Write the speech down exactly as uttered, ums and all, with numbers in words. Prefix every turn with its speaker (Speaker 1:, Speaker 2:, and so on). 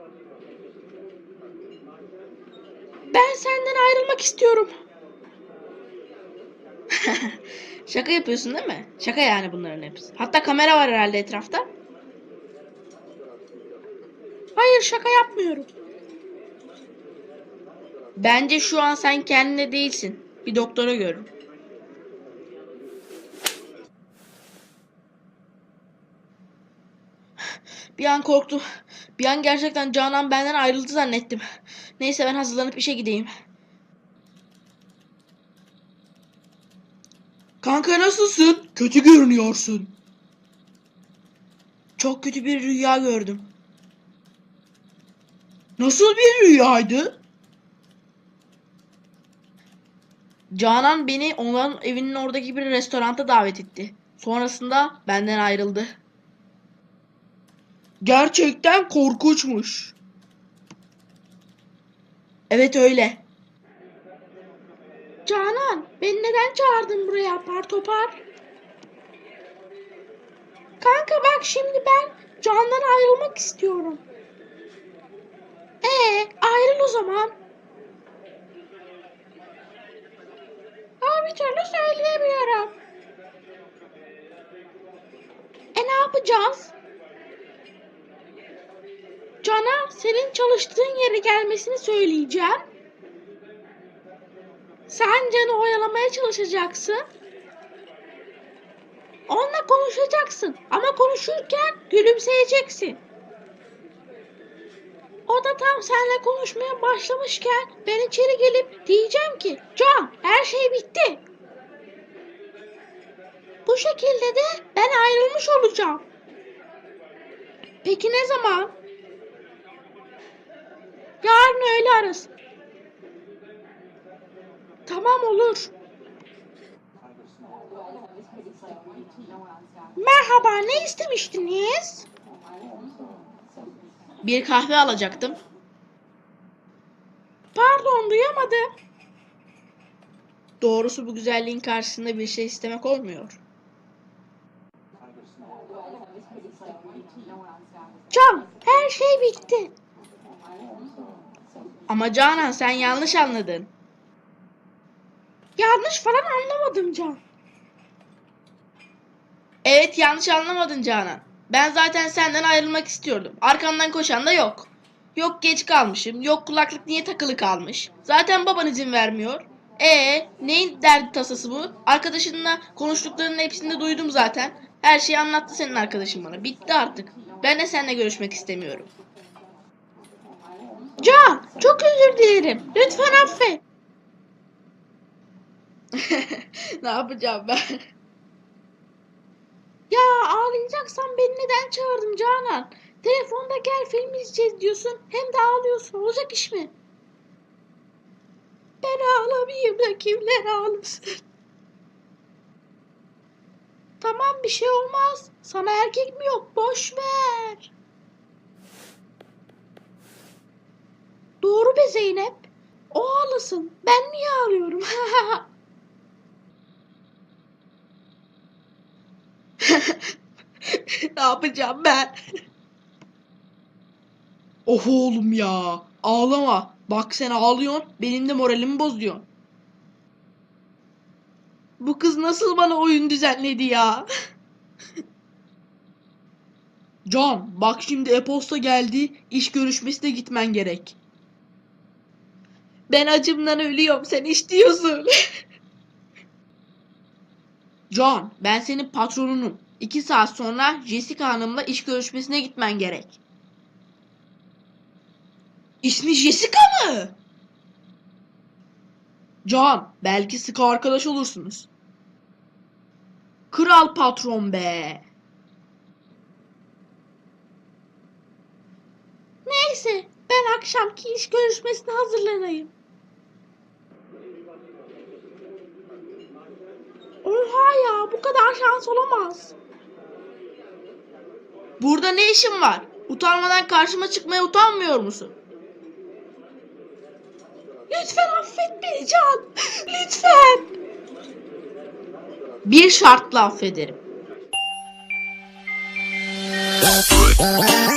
Speaker 1: Ben senden ayrılmak istiyorum. Şaka yapıyorsun değil mi? Şaka yani bunların hepsi. Hatta kamera var herhalde etrafta. Hayır, şaka yapmıyorum. Bence şu an sen kendine değilsin. Bir doktora görün. Bir an korktum. Bir an gerçekten Canan benden ayrıldı zannettim. Neyse, ben hazırlanıp işe gideyim. Kanka, nasılsın? Kötü görünüyorsun. Çok kötü bir rüya gördüm. Nasıl bir rüyaydı? Canan beni onların evinin oradaki bir restoranta davet etti. Sonrasında benden ayrıldı. Gerçekten korkunçmuş. Evet, öyle. Canan, beni neden çağırdın buraya apar topar? Kanka bak, şimdi ben Can'dan ayrılmak istiyorum. Ee, ayrıl o zaman. Ama bir türlü söyleyemiyorum. E ne yapacağız? Can'a senin çalıştığın yere gelmesini söyleyeceğim. Sen Can'ı oyalamaya çalışacaksın. Onunla konuşacaksın ama konuşurken gülümseyeceksin. O da tam seninle konuşmaya başlamışken ben içeri gelip diyeceğim ki Can, her şey bitti. Bu şekilde de ben ayrılmış olacağım. Peki ne zaman? Yarın öğle arası. Tamam, olur. Merhaba, ne istemiştiniz? Bir kahve alacaktım. Pardon, duyamadım. Doğrusu bu güzelliğin karşısında bir şey istemek olmuyor. Can, her şey bitti. Ama Canan, sen yanlış anladın. Yanlış falan anlamadım Can. Evet, yanlış anlamadın Canan. Ben zaten senden ayrılmak istiyordum. Arkamdan koşan da yok. Yok geç kalmışım, yok kulaklık niye takılı kalmış. Zaten baban izin vermiyor. Ee, neyin derdi tasası bu? Arkadaşınla konuştuklarının hepsini de duydum zaten. Her şeyi anlattı senin arkadaşın bana. Bitti artık. Ben de seninle görüşmek istemiyorum. Can, çok özür dilerim. Lütfen affet. Ne yapacağım ben? Ya ağlayacaksan beni neden çağırdın Canan? Telefonda gel film izleyeceğiz diyorsun. Hem de ağlıyorsun. Olacak iş mi? Ben ağlamayayım da kimler ağlasın? Tamam, bir şey olmaz. Sana erkek mi yok? Boş ver. Doğru be Zeynep. O ağlasın. Ben niye ağlıyorum? Ne yapacağım ben? Oh oğlum ya. Ağlama. Bak sen ağlıyorsun. Benim de moralimi bozuyorsun. Bu kız nasıl bana oyun düzenledi ya? Can, bak şimdi e-posta geldi. İş görüşmesine gitmen gerek. Ben acımdan ölüyorum. Sen iş diyorsun. Can, ben senin patronunum. İki saat sonra Jessica Hanım'la iş görüşmesine gitmen gerek. İsmi Jessica mı? Can, belki sıkı arkadaş olursunuz. Kral patron be. Neyse, ben akşamki iş görüşmesine hazırlanayım. Oha ya, bu kadar şans olamaz. Burada ne işin var? Utanmadan karşıma çıkmaya utanmıyor musun? Lütfen affet beni Can. Lütfen. Bir şartla affederim.